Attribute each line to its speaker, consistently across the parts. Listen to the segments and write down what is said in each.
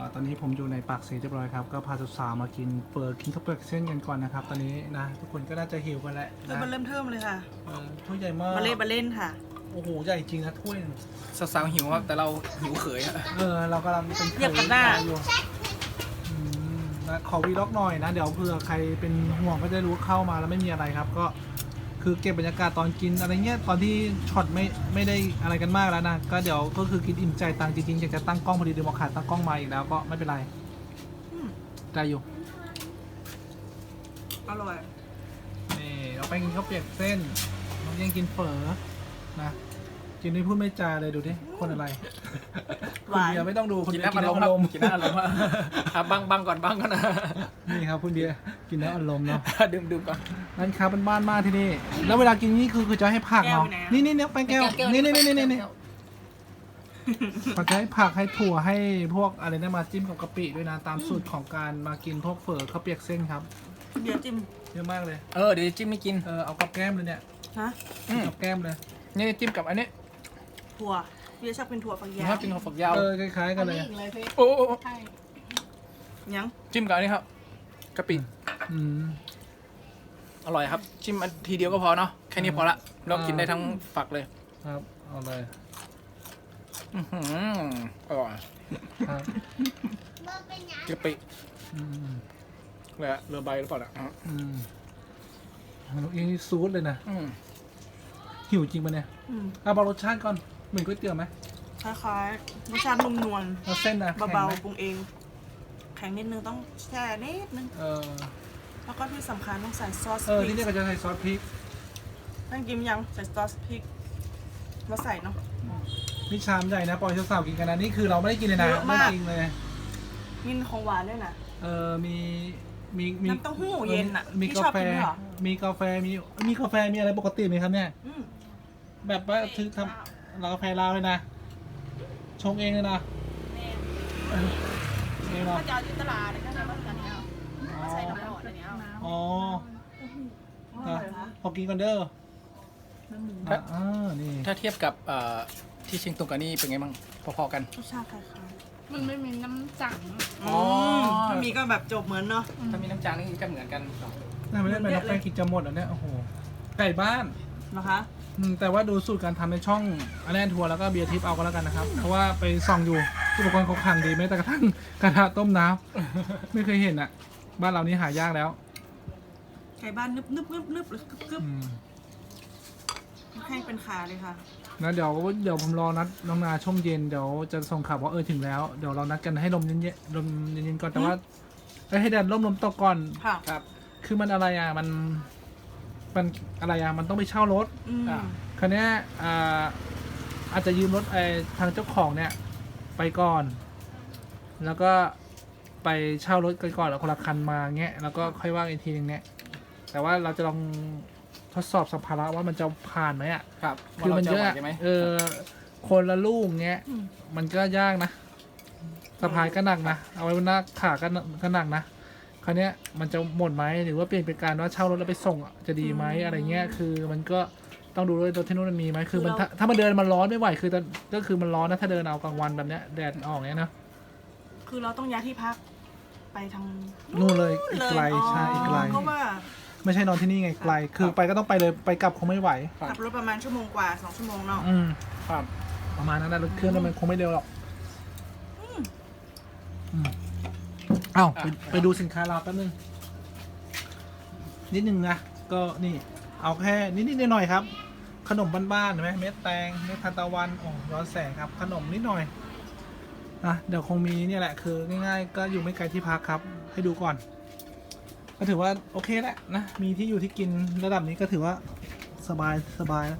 Speaker 1: ตอนนี้ผมอยู่ในปากเสียเรียบร้อยครับก็พาสาวๆมากินเปิดกินข้าวเปลือกเส้นกันก่อนนะครับตอนนี้นะทุกคนก็น่าจะหิวกันแล้ว
Speaker 2: มันเริ่มเทิมเลยค่ะ
Speaker 1: ถ้วยใหญ่มาก
Speaker 2: มาเล่นค่ะ
Speaker 1: โอ้โหใหญ่จริงนะถ้วย
Speaker 3: สาวๆหิวครับแต่เราหิวเขยอะ
Speaker 1: เรากำลังเป็น
Speaker 2: เหยียบกันหน้า
Speaker 1: อยู่นะขอวีล็อกหน่อยนะเดี๋ยวเผื่อใครเป็นห่วงก็จะรู้เข้ามาแล้วไม่มีอะไรครับก็คือเก็บบรรยากาศตอนกินอะไรเงี้ยตอนที่ช็อตไม่ได้อะไรกันมากแล้วนะก็เดี๋ยวก็คือกินอิ่มใจตังจริงๆอยากจะตั้งกล้องพอดีเดี๋ยวมาขาดตั้งกล้องมาอีกแล้วก็ไม่เป็นไรได้อยู่
Speaker 2: อร่อย
Speaker 1: นี่เราไปกินข้าวเปียกเส้นน้องยังกินเฝอนะกินไม่พูดไม่จาเลยดูดิคนอะไร
Speaker 2: หวาน
Speaker 1: คุณเบียร์ไม่ต้องดูคุณ
Speaker 3: กิน
Speaker 1: เบียร์
Speaker 3: น้ำ
Speaker 1: กิ
Speaker 3: อาน ร
Speaker 1: น้ำ
Speaker 3: ม
Speaker 1: อารมณ์
Speaker 3: ณ์กินน้ำอารมณ์บังก่อนบังก่อนนะ
Speaker 1: นี่ครับคุณเบียร์กินน้ำอารมณ์เนาะ
Speaker 3: ดื่มก่อน
Speaker 1: ร้านค้าเป็นบ้านมากที่นี่แล้วเวลากินนี่คือจะให้ผักเนาะนี่เนี่ยแป้งแก้วนี่เขาจะให้ผักให้ถั่วให้พวกอะไรนะมาจิ้มกับกะปิด้วยนะตามสูตรของการมากินพวกเฝอข้าวเปียกเส้นครับ
Speaker 2: เดี๋ยวจิ้ม
Speaker 1: เยอะมากเลย
Speaker 3: เดี๋ยวจิ้มไม่กิน
Speaker 1: เอากับแก้มเลยเนี่ย
Speaker 2: ฮะ
Speaker 1: กับแก้มเลย
Speaker 3: นี่จิ้มกับอันนี้
Speaker 2: ถั่วพี่ชอบเป็นถั่วฝักยา
Speaker 3: ชอ
Speaker 2: ว
Speaker 3: บกินข้าวฝักยาว
Speaker 1: คล้ายๆกันเลย
Speaker 3: โอ้
Speaker 2: ยัง
Speaker 3: จิ้มกับอันนี้ครับกะปิ
Speaker 1: อืม
Speaker 3: อร่อยครับจิ้มอันทีเดียวก็พอเนาะแค่นี้พอละเรากินได้ทั้งฝักเลย
Speaker 1: ครับเอาเลย
Speaker 3: อร่อย
Speaker 1: ครับ
Speaker 3: กะปิ
Speaker 1: อืม
Speaker 3: เรือใบหรือเปล่าล่ะ
Speaker 1: ยังซูดเลยนะหิวจริงปะเนี่ยบอกรสชาติก่อนเหมือนก๋วยเตี๋ยวไหม
Speaker 2: คล้ายๆรสชาตินุ่มนวล
Speaker 1: แล้วเส้นนะ
Speaker 2: เบา
Speaker 1: แข็งไหม
Speaker 2: ๆปรุงเอง แข็งนิดนึงต้องแช่นิดนึง แล้วก็ที่สำคัญต้องใส่ซอสพริ
Speaker 1: ที่
Speaker 2: ก
Speaker 1: นี่ก็จะใส่ซอสพริก
Speaker 2: ต้องกินยังใส่ซอสพริกมาใส่เนาะ
Speaker 1: นี่ชามใหญ่นะปล่อยสาวๆกินกันนะนี่คือเราไม่ได้กินเลยนะ
Speaker 2: เยอะ
Speaker 1: ไม่
Speaker 2: มาก
Speaker 1: จริงเลย
Speaker 2: มีของหวานด้วยนะ
Speaker 1: มี
Speaker 2: น้ำเต้าหู้เย็นอะ
Speaker 1: มี
Speaker 2: พี่
Speaker 1: กา
Speaker 2: ชอบ
Speaker 1: แฟ
Speaker 2: กินด้วยเหรอ
Speaker 1: มีกาแฟมีอะไรปกติไหมครับเนี่ย
Speaker 2: อืม
Speaker 1: แบบว่าคือทำเรากาแฟลาวเลยนะชงเองเลยนะเองเนาะ
Speaker 2: ถ้าจะเอาที่ตลาดก็จะต้องกันนี้เอาใส่น้ำหอมอันนี้เอา
Speaker 1: อ๋อ
Speaker 2: อร่อยนะ
Speaker 1: พอกินกันเด้อนี่
Speaker 3: ถ้าเทียบกับที่เชียงตุงกับนี่เป็นไงบ้างพอๆกัน
Speaker 2: รสชาติคล้าย
Speaker 4: มันไม่มีน้ำจัง
Speaker 2: ๆถ้ามีก็แบบจบเหมือนเนาะ
Speaker 3: ถ้ามีน้ำจางนี่ก็เหมือนกัน
Speaker 1: น่าไม่ได้เป็นน้องแป้งกินจะหมดอ่ะเนี่ยโอ้โหไก่บ้าน
Speaker 2: นะคะ
Speaker 1: แต่ว่าดูสูตรการทำในช่องอันแนนทัวร์แล้วก็เบียร์ทิปเอาก็แล้วกันนะครับ เพราะว่าไปส่องอยู่อุปกรณ์เขาขังดีแม้แต่กระทั่งกระทะต้มน้ำไม่เคยเห็นอ่ะ บ้านเรานี่หายากแล้ว
Speaker 2: ไก่บ้านนึบหรือกึบให้เป็นขาเลยค่ะ
Speaker 1: นะเดี๋ยวผมรอนัดน้องนาช่วงเย็นเดี๋ยวจะส่งข่าวว่าถึงแล้วเดี๋ยวเรานัดกันให้ลมเย็นๆก่อนแต่ว่าให้แดดลมตกก่อน
Speaker 2: ค่ะ
Speaker 3: ครับ
Speaker 1: คือมันอะไรอ่ะมันอะไรอ่ะมันต้องไปเช่ารถ คราวเนี้ยอาจจะยืมรถทางเจ้าของเนี่ยไปก่อน แล้วก็ไปเช่ารถกันก่อนแล้วคนละคันมาเงี้ยแล้วก็ค่อยว่างอีกทีนึงเนี่ยแต่ว่าเราจะลองทดสอบสัมภาระว่ามันจะผ่านไหมอ่ะ
Speaker 3: ครับ
Speaker 1: คือมันเยอะ
Speaker 3: ใช่ไหม
Speaker 1: คนละลูกเงี้ยมันก็ยากนะสะพายก็หนักนะเอาไว้บนหน้าขาก็หนักนะคราวเนี้ยมันจะหมดไหมหรือว่าเปลี่ยนเป็นการว่าเช่ารถแล้วไปส่งจะดีไหมอะไรเงี้ยคือมันก็ต้องดูด้วยรถที่นู้นมันมีไหมคือมันถ้ามันเดินมันร้อนไม่ไหวคือก็คือมันร้อนนะถ้าเดินเอากลางวันแบบเนี้ยแดดออกเนี้ยนะ
Speaker 2: คือเราต้องย้ายที่พักไปทาง
Speaker 1: นู่นเลยอีกไกลใช่อีกไกล
Speaker 2: ก็ว่า
Speaker 1: ไม่ใช่นอนที่นี่ไงไกลคือไปก็ต้องไปเลยไปกลับคงไม่ไหว
Speaker 2: ขับรถประมาณชั่วโมงกว่า2 ชั่วโมงเนาะ
Speaker 3: ครับ
Speaker 1: ประมาณนั้นนะรถเครื่องมันคงไม่เร็วหรอกเอ้าไปดูสินค้าเราแป๊บนึงนิดนึงนะก็นี่เอาแค่นิดหน่อยครับ ขนมบ้านๆเห็นไหมเม็ดแตงเม็ดทานตะวันโอ้ร้อนแสงครับ ขนมนิดหน่อยเดี๋ยวคงมีเนี่ยแหละคือง่ายๆก็อยู่ไม่ไกลที่พักครับ ให้ดูก่อน ก็ถือว่าโอเคแหละนะมีที่อยู่ที่กินระดับนี้ก็ถือว่าสบายแล้ว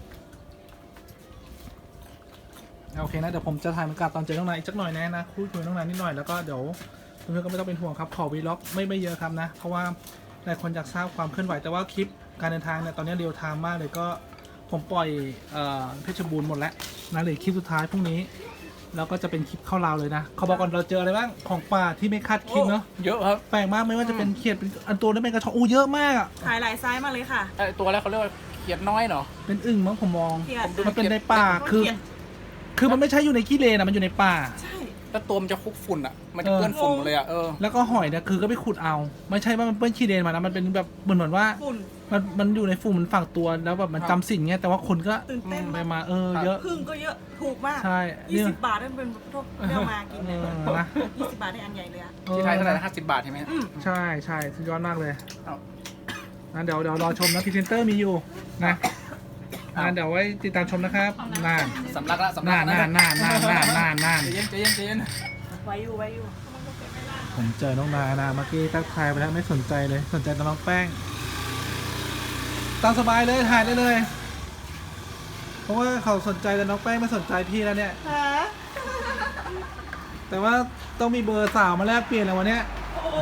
Speaker 1: โอเคนะเดี๋ยวผมจะถ่ายบรรยากาศตอนเจอน้องนายอีกสักหน่อยนะคุยน้องนายนิดหน่อยแล้วก็เดี๋ยวเพื่อนๆก็ไม่ต้องเป็นห่วงครับขอวีล็อกไม่เยอะครับนะเพราะว่าหลายคนอยากทราบความเคลื่อนไหวแต่ว่าคลิปการเดินทางเนี่ยตอนนี้เรียลไทม์มากเลยก็ผมปล่อยเพชรบูรณ์หมดแล้วนะเหลือคลิปสุดท้ายพรุ่งนี้แล้วก็จะเป็นคลิปเข้าลาวเลยนะเขาบอกก่อนเราเจออะไรบ้างของป่าที่ไม่คาดคิดเนาะ
Speaker 3: เยอะครับ
Speaker 1: แปลกมากไม่ว่าจะเป็นเขียดเป็นอันตัวนั้นเป็นกระชอกเยอะมากอ่ะ
Speaker 2: ขายหลายไซส์มาเลยค่ะ
Speaker 3: ตัวแรกเขาเรียกว่าเขียดน้อยเนาะ
Speaker 1: เป็นอึ่งมั้งผมมอง
Speaker 2: เขียด
Speaker 1: มันเป็นในป่า
Speaker 2: เขียด
Speaker 1: คือมันไม่ใช่อยู่ในขี้เลนนะมันอยู่ในป่า
Speaker 2: ใช่
Speaker 3: แล้วตัวมันจะคลุกฝุ่นอ่ะ มันจะเปื้อนฝุ่นหมดเลยอ่ะ
Speaker 1: แล้วก็หอยเนี่ยคือก็ไปขุดเอา ไม่ใช่ว่ามันเปื้อนขี้เลนมานะมันเป็นแบบเหมือนว่า
Speaker 2: ฝุ่น
Speaker 1: มันอยู่ในฝุ่นมันฝังตัวแล้วแบบมันจำสิ่งเงี้ยแต่ว่าคนก็
Speaker 2: ตื่นเต้น
Speaker 1: ไป
Speaker 2: มาก
Speaker 1: มาเยอะ
Speaker 2: พึ่งก็เยอะถูกมาก
Speaker 1: ใช่นี่
Speaker 2: 20 บาทนั่นเป็นพวกเรียกมากินเลย
Speaker 1: นะ
Speaker 2: 20 บาทได้อันใหญ่เลยอะ
Speaker 3: ที่ไทยเท่าไหร่นะ50 บาทใช่ไหม
Speaker 1: ใช่ใช่สุดยอดมากเลย
Speaker 3: เอา
Speaker 1: นะเดี๋ยวรอชมนะพรีเซนเตอร์มีอยู่นะเดี๋ยวไว้ติดตามชมนะครับน่าน
Speaker 3: สำลักละสำลั
Speaker 1: น่าก นน่านน่าน
Speaker 3: ใจเย็นใจเย็นใจเย็น
Speaker 2: ไว้อยู่
Speaker 1: ผมเจอน้องนานะเมื่อกี้ทักทายไปแล้วไม่สนใจเลยสนใจแต่น้องแป้งตามสบายเลยถ่ายได้เลย เพราะว่าเขาสนใจแต่น้องแป้งไม่สนใจพี่แล้วเนี่ย
Speaker 2: ฮะ
Speaker 1: แต่ว่าต้องมีเบอร์สาวมาแลกเปลี่ยนแล้ววันเนี้ย
Speaker 2: โอ้โห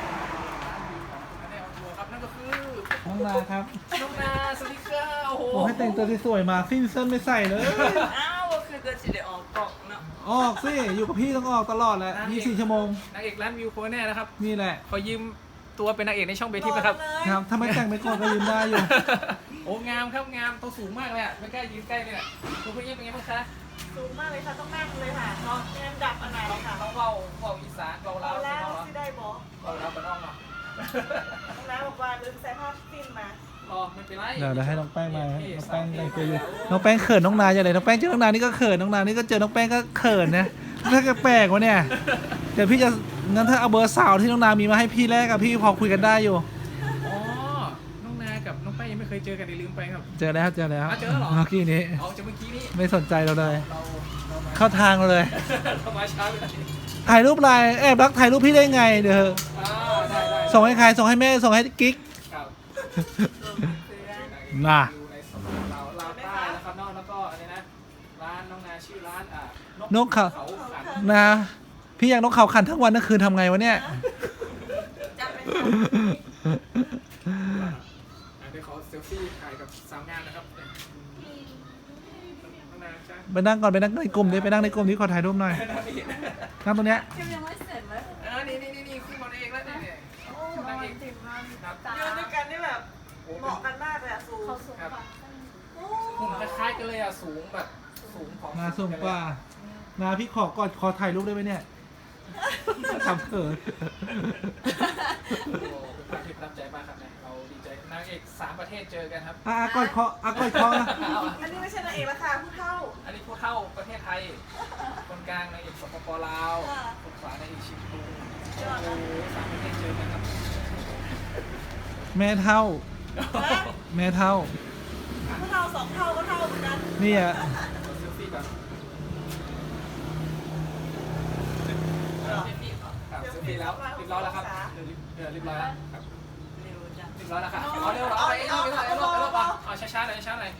Speaker 3: ครับนั่นก็คือ
Speaker 1: น้องนาครับ
Speaker 3: น้องนาสวัสดีค่ะโอ้โห
Speaker 1: ผมให้แต่งตัวสวยๆมาสิ้นเส้นไม่ใส่เลย
Speaker 2: อ้าวคือจะสิได้ออกกล่องเนาะ
Speaker 1: ออกสิอยู่กับพี่ต้องออกตลอดแหละ24 ชั่วโมง
Speaker 3: นางเอกร้านวิวโคแน่นะครับ
Speaker 1: นี่แหละ
Speaker 3: ขอยืมตัวเป็นนางเอกในช่องเบทิปนะครับ
Speaker 1: ครับถ้าไม่แต่งไปก่อนก็ยืมได้อยู่
Speaker 3: โอ้งามครับงามตัวสูงมากเลยอ่ะไม่กล้ายืนใกล้เลยอ่ะตัวพี่เป็นไงบ้างคะ
Speaker 2: สูงมากเลยค่ะต้องนั่งเลยค่ะเนาะแอนดับอันไหนค่ะ
Speaker 3: ต้องเบาอีสานเบา
Speaker 2: เอา
Speaker 3: ลาว
Speaker 2: แล้ว
Speaker 3: เนาะ
Speaker 2: ที่ได้บอก
Speaker 3: เบาลาวเป็นอ้อมเนาะ
Speaker 2: น้องน้าบอกว่าลืมใส่ผ้าสิ้นมา
Speaker 3: รอไม่เป็นไร
Speaker 1: เดี๋ยวให้น้องแป้งมาน้องแป้งแต่งตัวอยู่น้องแป้งเขินน้องนาอย่างไรน้องแป้งเจอน้องนานี่ก็เขินน้องนานี่ก็เจอน้องแป้งก็เขินนะถ้าแกแปลกวะเนี่ยเดี๋ยวพี่จะงั้นถ้าเอาเบอร์สาวที่น้องนามีมาให้พี่แลกกับพี่พอคุยกันได้อยู่
Speaker 3: อ๋อน้องนากับน้องแป้งยังไม่เคยเจอกันลืมไปครับ
Speaker 1: เจอแล้วเจอแล้ว
Speaker 3: เจอเหรอ
Speaker 1: เมื่อกี้นี้
Speaker 3: เอาจากเมื่อกี้นี้
Speaker 1: ไม่สนใจเราเลย
Speaker 3: เรามา
Speaker 1: เข้าทางเราเลย
Speaker 3: เรามาช้าไปหน่อย
Speaker 1: ถ่ายรูปไลน์แอบรักถ่ายรูปพี่ได้ไงเดี๋ยว
Speaker 3: ได้
Speaker 1: ส่งให้ใครส่งให้แม่ส่งให้กิ๊ก
Speaker 3: ครับ
Speaker 1: น่ะ
Speaker 3: อยู่ในสมุทรลาวใต้นะครับนอกแล้วก็อะไรนะร้านน้องนาชื่อร้าน
Speaker 1: นกเขา
Speaker 3: เขาขัน
Speaker 1: นะพี่อยากนกเขาขันทั้งวันทั้งคืนทำไงวะเนี่ย
Speaker 2: จับเป็น
Speaker 3: เดี๋ยวขอเซลฟี่ถ่ายกับสาวงามนะครับน้องนาจ้า
Speaker 1: ไปนั่งก่อนไปนั่งในกลุ่มดิไปนั่งในกลุ่มที่ขอถ่ายรูปหน่อยนั่งตรงเนี้ย
Speaker 4: ยังไม่เสร็จเลย
Speaker 3: นี่ขึ้นมาเองแล้วเนี่ยนางเอกครับ
Speaker 2: ยืนด้วยกันนี่แบบเหมาะกันมากเลยอะสูง
Speaker 4: เขาสูงกว่า
Speaker 3: หุ่นคล้ายๆกันเลยอ่ะสูงแบบสูงของ
Speaker 1: นาสูงกว่านาพี่ขอกอดขอถ่ายรูปได้ไหมเนี่ยทำเขิน
Speaker 3: เป็นที่ประทับใจมากครับเนี่ยเราดีใจนางเอก3 ประเทศเจอกันครับ
Speaker 1: กอดคอกอดคอนะ
Speaker 2: อันนี้ไม่ใช่นางเอกละค่ะผู้เฒ่า
Speaker 3: อันนี้ผู้เท่าประเทศไทย คนกลางนางเอกสปปลาว คนขวานางเอกชิมพูโอ้โห3 ประเทศเจอกันครับ
Speaker 1: แม่เท่าแม่เท่า
Speaker 2: ผู้เฒ่า2 เท่าก็เท่าเหมือนกัน
Speaker 1: นี่อ่ะ
Speaker 3: เซลฟี่ก่อนครับเซลฟี่แล้วเรียบร้อยแล้วครับเรียบร้อยแล้วครับ
Speaker 2: เร็วจัง
Speaker 3: เรียบร้อยแล้วค่ะเอาเร็วเอาไปเอาเอาช้าๆหน่อยช้าๆหน่อย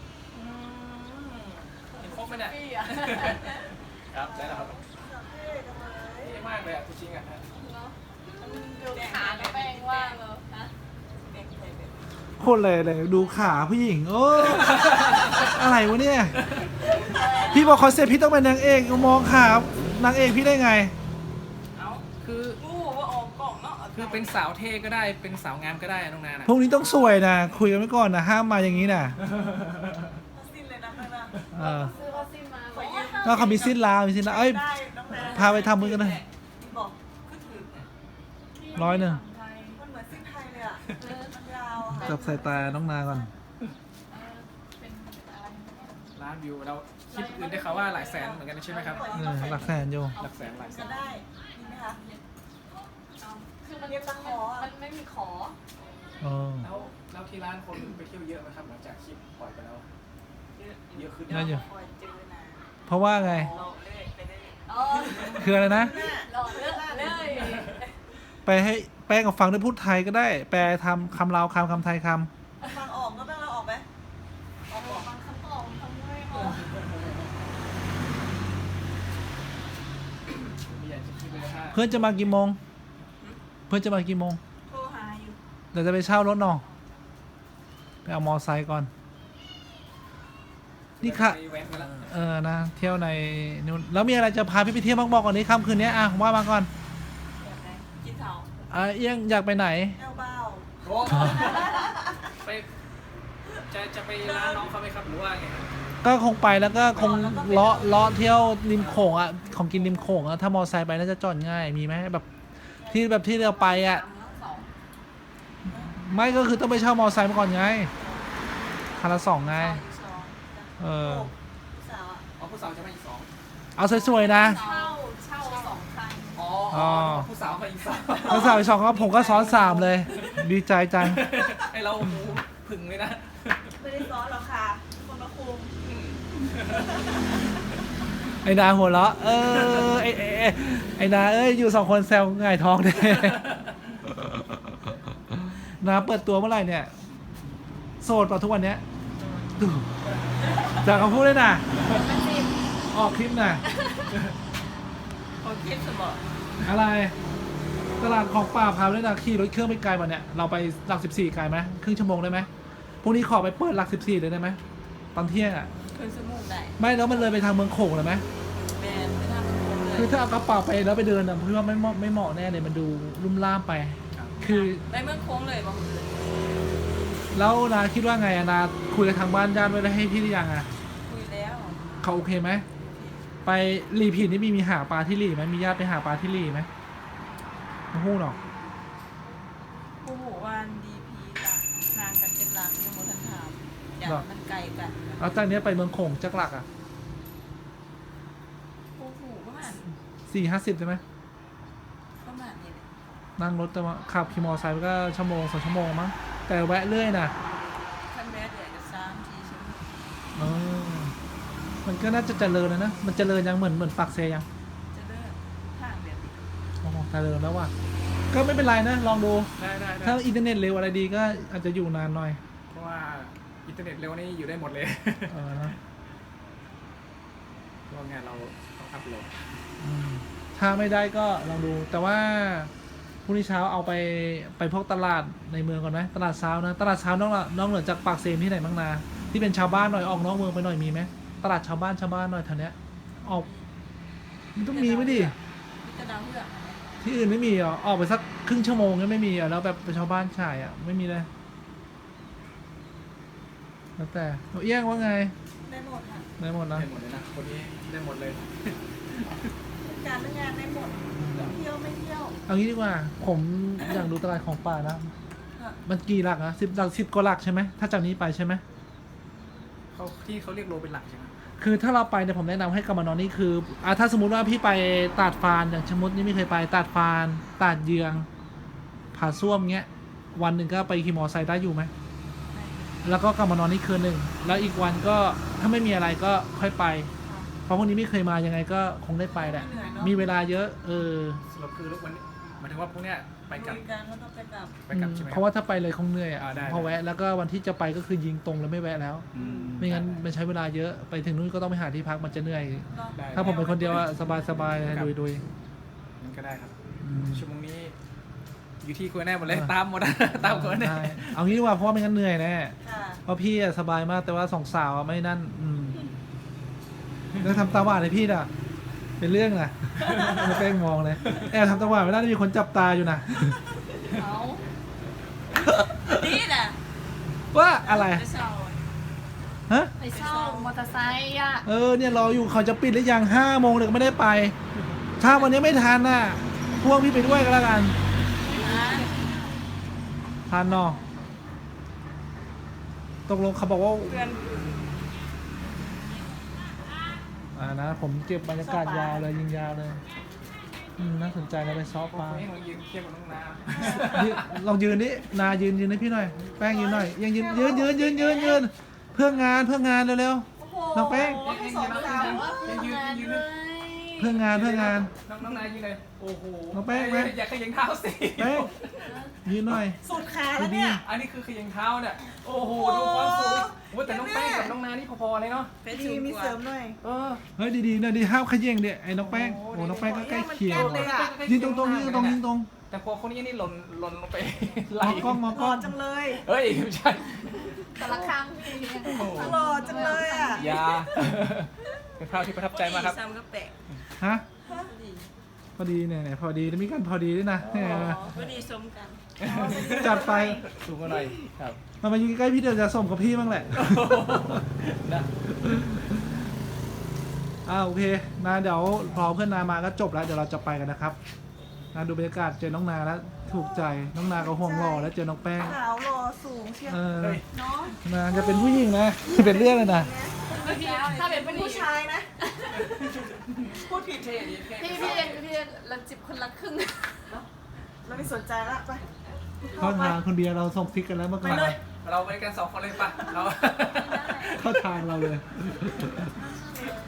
Speaker 3: เห็นครบไหมเนี่ย
Speaker 4: พี่อะ
Speaker 3: ครับได้แล้วครับ
Speaker 2: เท่จังเลย
Speaker 3: เท่มากเลยอ่ะจริงๆอ่ะ
Speaker 4: เนาะขาก็แป้งว่างเลยนะ
Speaker 1: โคตรเลยดูขาผู้หญิงโอ้อะไรวะเนี่ยพี่บอกคอนเซ็ปต์พี่ต้องเป็นนางเอกมองขานางเอกพี่ได้ไง
Speaker 3: เอาคือ
Speaker 2: รู้ว่าออกกล่องเนาะ
Speaker 3: คือเป็นสาวเท่ก็ได้เป็นสาวงามก็ได้น้องนานะ
Speaker 1: พรุ่งนี้ต้องสวยนะคุยกันไว้ก่อนนะห้ามมาอย่างนี้นะ
Speaker 2: สิ้นเลยนะข้างหน้า
Speaker 1: เออ
Speaker 4: ซื้อวัคซีนมา
Speaker 2: ขอยืม
Speaker 1: ก็เขามีสิ้นลาวมีสิ้นลาวเอ้ย
Speaker 2: ได้น้องแม่
Speaker 1: พาไปทำมือกันนะ
Speaker 2: บอกก็ถือ
Speaker 1: 100
Speaker 2: มันเหมือนสิ้นไทยเลยอ่ะมันยาวอะ
Speaker 1: จับสายตาน้องนาก่อน
Speaker 4: เป็นอะไรเนี่ย
Speaker 3: ร้านวิวเราคลิปอื่นได้ข่าวว่าหลายแสนเหมือนกันใช่ไหมครับ
Speaker 1: หลักแสนอยู่
Speaker 3: หลักแสนหลายแส
Speaker 2: ก็
Speaker 3: น
Speaker 2: ได้ดีไหมคะ
Speaker 4: เอาคือมัน
Speaker 2: เรียกตะขออะ
Speaker 4: มันไม่มีขอ
Speaker 1: อ๋อ
Speaker 3: แล้วที่ร้านคนไปเที่ยวเยอะไหมครับหลังจากคลิปปล่อยไปแล้วเยอะขึ้น
Speaker 1: น่าอยู่
Speaker 2: คอยเจอนะ
Speaker 1: เพราะว่าไง
Speaker 2: เราเลื่อยไปเรื่อย
Speaker 4: อ๋อ
Speaker 1: คืออะไรนะ
Speaker 4: หล่อเลือกเลย
Speaker 1: ไปให้แป้งกับฟังด้วยพูดไทยก็ได้ แปลทำคำลาวคำไทยค
Speaker 2: ฟังออกก็ต้องเราออกไหมออกบอก
Speaker 4: ฟังคำตอบทำไม่ออก
Speaker 3: ไม่อยากจะคิดเลยถ้า
Speaker 1: ำเพื่อนจะมากี่โมง เพื่อนจะมากี่โมง
Speaker 2: โทรหาอยู่
Speaker 1: เดี๋ยวจะไปเช่ารถหนอไปเอามอไซค์ก่อน นี่ค่ะ
Speaker 3: ไปแว้นกันละ
Speaker 1: นะเที่ยวในนู่นแล้วมีอะไรจะพาพี่ไปเที่ยวบ้างบอกก่อนนี้ค่ำคืนนี้อ่ะว่ามาก่อน
Speaker 2: กินเถา
Speaker 1: เอี้ยงอยากไปไหน
Speaker 2: แอลเบ้า
Speaker 3: โอ้ไปจะไปร้านน้องเขาไหมครับหรือว่าไง
Speaker 2: ไ
Speaker 1: ก็คงไปแล้วก็คงเลาะเที่ยวริมโขงอ่ะของกินริมโขงอ่ะถ้ามอไซค์ไปน่าจะจอดง่ายมีไหมแบบที่เราไปอ่ะ ไม่ก็คือต้องไปเช่ามอไซค์มาก่อนไงคันละ2ไงเออ
Speaker 4: สาว
Speaker 3: อ๋อผู้สาวจะมาอีกสอง
Speaker 1: เอาสวยๆนะ
Speaker 4: เช่า2 คัน
Speaker 3: อ๋อ
Speaker 1: อ๋อ
Speaker 3: ผู้สาวมาอีกสอง
Speaker 1: แล้วสาวอีก2ก็ผมก็ซ้อน3เลย ดีใจจัง
Speaker 3: ไอเราโอ้โหผึ่งเลยนะ
Speaker 2: ไม่ได้ซ้อนหรอกค่ะ คนละคุม
Speaker 1: ไอ้นาหัวเราะไอ้นาเอ้ยอยู่2คนแซวหง่ายท้องเลย นาเปิดตัวเมื่อไหร่เนี่ยโสดเปล่าทุกวันเนี้ยดูจากคำพูดเลยนะออกคลิปน่ะ
Speaker 2: โอเคสมอง
Speaker 1: อะไรตลาดของป่าพาไปเลยนะขี่รถเครื่องไปไกลป่ะเนี่ยเราไปหลัก14ไกลไหมครึ่งชั่วโมงได้ไหมพรุ่งนี้ขอไปเปิดหลัก14เลยได้ไหมตอนเที่ยงอ่ะ
Speaker 2: เคยสมุกได้
Speaker 1: ไม่แล้วมันเลยไปทางเมืองโขงเลยไหม
Speaker 2: แมนไม่ทำเป็นคนเลย
Speaker 1: คือถ้าเอากระเป๋าไปแล้วไปเดินอ่ะพี่ว่าไม่เหมาะแน่เลยมันดูลุ่มล่ามไป คือ
Speaker 2: ไปเมืองโค้งเลยบางคืน
Speaker 1: แล้วนาคิดว่าไงอะนาคุยกับทางบ้านญาติไว้แล้วให้พี่หรือยังอะ
Speaker 2: คุยแล้ว
Speaker 1: เขาโอเคไหมไปรีพีนี่มีหาปลาที่รีไหมมีญาติไปหาปลาที่รีไหมไม่พูดหรอก
Speaker 2: ผู้หูวันดีพีละห่างกันเป็นหลักยังโมทันถามอย่างมันไกลกัน
Speaker 1: แล้วจากเนี้ยไปเมืองโขงจักหลักอะ
Speaker 2: ผู้หูประมาณ
Speaker 1: 40-50ใช่ไหม
Speaker 2: ประมาณนี้เลย
Speaker 1: นั่งรถแต่ว่าขับขี่มอเตอร์ไซค์ไปก็1-2 ชั่วโมงมั้งแต่แวะเรื่อยนะ
Speaker 2: ขั้นแรกเลยจะ3-4 ชั่วโมง
Speaker 1: เออมันก็น่าจะเจริญนะมันเจริญยังเหมือนปากเซยัง
Speaker 2: จะเลิกทางแบบนี้
Speaker 1: โอ้โหเจริญแล้วว่ะก็ไม่เป็นไรนะลองดู
Speaker 3: ได้ได้
Speaker 1: ถ้าอินเทอร์เน็ตเร็วอะไรดีก็อาจจะอยู่นานหน่อย
Speaker 3: เพราะว่าอินเทอร์เน็ตเร็วนี่อยู่ได้หมดเลย
Speaker 1: เออนะ
Speaker 3: เพราะงานเราต้องอัพโหลด
Speaker 1: ถ้าไม่ได้ก็ลองดู แต่ว่าพรุ่งนี้เช้าเอาไปพวกตลาดในเมืองก่อนไหมตลาดเช้านะตลาดเช้านอกเหนือจากปากเซมที่ไหนบ้างนาที่เป็นชาวบ้านหน่อยออกนอกเมืองไปหน่อยมีไหมตลาดชาวบ้านหน่อยแถวเนี้ยออกมันต้องมีไหมดิ
Speaker 2: มีกระดาษเพื่อกอะไร
Speaker 1: ที่อื่นไม่มีเหรอออกไปสักครึ่งชั่วโมงก็ไม่มีอ่ะแล้วแบบเป็นชาวบ้านขายอ่ะไม่มีเลยแล้วแต่หนูเอี้ยงว่าไง
Speaker 2: ได้หมดค่ะ
Speaker 1: ได้หมดนะ
Speaker 3: ได้หมดเลยนะคนนี้ได้หมดเลย
Speaker 2: การเรื่องงานได้หมดเที่ยวไม่เที่ยว
Speaker 1: เอางี้ดีกว่า ผมอยากดูตลาดของป่านะ มันกี่หลักอะ10 กว่าหลักใช่ไหมถ้าจากนี้ไปใช่ไหม
Speaker 3: เขาเรียกโลเป็นหลักใช่ไหม
Speaker 1: คือถ้าเราไปเนี่ยผมแนะนำให้กลับมานอนนี่คือถ้าสมมุติว่าพี่ไปตาดฟานอย่างชะมดนี่ไม่เคยไปตาดฟานตาดเยืองผาส้วมเงี้ยวันหนึ่งก็ไปขี่มอไซค์ได้อยู่ไหมแล้วก็กลับมานอนนี่คืนหนึ่งแล้วอีกวันก็ถ้าไม่มีอะไรก็ค่อยไป เพราะพวกนี้ไม่เคยมายังไงก็คงได้ไปแหละมีเวลาเยอะ
Speaker 3: สรุปคือวันนี้หมายถึงว่าพวกเนี้ยไปกลับ
Speaker 2: คุยกันแล้วก็ไปกลับ
Speaker 3: ไปกลับใช่ไหม
Speaker 1: เพราะว่าถ้าไปเลยคงเหนื่อยอ่ะ
Speaker 3: ได้
Speaker 1: พอแวะแล้วก็วันที่จะไปก็คือยิงตรงแล้วไม่แวะแล้ว ไม่งั้นมันใช้เวลาเยอะไปถึงนู้นก็ต้องไปหาที่พักมันจะเหนื่อย
Speaker 3: ได้
Speaker 1: ถ้าผมเป็นคนเดียวอะสบายๆเลยดุย
Speaker 3: มันก็ได้ครับ
Speaker 1: ๆ
Speaker 3: ชั่วโมงนี้ อยู่ที่คุณแน่หมดเลยตามหมด ตามคุณแน่
Speaker 1: ใช่เอางี้ดีกว่าเพราะว่าไม่งั้นเหนื่อยแน่
Speaker 2: ค่ะ
Speaker 1: เพราะพี่อะสบายมากแต่ว่าสองสาวอะไม่นั่นแล้วทำตาหวานให้พี่น่ะ เป็นเรื่องนะไม่แป้งมองเลยแอบทำตาหวานไม่ได้มีคนจับตาอยู่นะ
Speaker 2: เอานี่แหละ
Speaker 1: ว่าอะไร
Speaker 2: ไปเช่า
Speaker 1: ฮะ
Speaker 4: ไปเช่ามอเตอร์ไซค์อ่ะ
Speaker 1: เนี่ยรออยู่เขาจะปิดหรือยัง5 โมงเลยก็ไม่ได้ไป ถ้าวันนี้ไม่ทันน่ะพวกพี่ไปด้วยก็แล้วกันทันเนาะตกลงเขาบอกว่า
Speaker 2: เพื่อน
Speaker 1: นะผมเก็บบรรยากาศยาวเลยยิงยาวเลยน่าสนใจนะไปซอฟต์มา
Speaker 3: นี่ลองยืนเทียบกับน้องนา
Speaker 1: ลองยืนนี่นายืนให้พี่หน่อยแป้งยืนหน่อยยังยืนเพื่องานเร็วๆน้องแป้ง
Speaker 2: สองสาว
Speaker 1: เพื่องาน
Speaker 3: น้องนายืนเลยโอ้โห
Speaker 1: น้องแป้งไหม
Speaker 3: อย่าขยังเท้าสิ
Speaker 1: แป้งยืนหน่อย
Speaker 2: สุดขาแล้วเนี่ย
Speaker 3: อันนี้คือขยังเท้าเนี่ยโอ้โหดูความสูงว่าแต่น้องแป้งกับน้องนานี่พอๆเลยเนาะ
Speaker 2: ดีมีเสริมหน่อย
Speaker 1: เฮ้ยดีๆนะดีห้ามขย่งเดี๋ยไอ้น้องแป้งโอ้น้องแป้งก็ใกล้เคียง
Speaker 2: เลยอะ
Speaker 1: ยืนตรง
Speaker 3: แต่พอคนนี้นี่หล่นลงไป
Speaker 1: ม
Speaker 3: ไหล
Speaker 1: องกล้อง
Speaker 2: หล่อจังเลย
Speaker 3: เฮ้ยไม่ใช่
Speaker 4: แต่ละครั้งพี่
Speaker 2: หล่อจังเลยอ่ะ
Speaker 3: ยาเป็นภาพที่ประทับใจมากครับ
Speaker 2: ซ้ำก็แปลก
Speaker 1: ฮะพอดีเนี่ยพอดีแล้วมีกันพอดีด้วยนะเนี่ย
Speaker 2: พอดีสมกัน
Speaker 1: จัดไป
Speaker 3: สูงมาหน่อยครับ
Speaker 1: มายืนใกล้พี่เดี๋ยวจะส่งกับพี่บ้างแหละ
Speaker 3: นะ
Speaker 1: โอเคนะเดี๋ยวพอเพื่อนนามาก็จบแล้วเดี๋ยวเราจะไปกันนะครับนะดูบรรยากาศเจอน้องนาแล้วถูกใจน้องนาก็ห่วงหล่อแล้วเจอน้องแป้ง
Speaker 2: ขาวรอสูงเชียว
Speaker 1: เออ
Speaker 2: เนาะ
Speaker 1: นะจะเป็นผู้หญิงนะ เป็นเรื่องเลยนะ
Speaker 4: ถ้าเป็น
Speaker 2: เป็น
Speaker 4: ผู้
Speaker 2: ผู้
Speaker 4: ชาย
Speaker 2: ชายนะ พูดผิด
Speaker 3: เท่ดีเท่
Speaker 4: พี่เราจิบคนละครึ่ง
Speaker 2: เราไม่สนใจละไป
Speaker 1: เข้าทางคุณเบียร์เราส่งฟิกกันแล้วเมื่อ
Speaker 2: ไป
Speaker 1: ก่อน
Speaker 2: เลย
Speaker 3: เราไปกัน2 คนเลยป่ะเรา
Speaker 1: เข้าทางเราเลย
Speaker 2: เ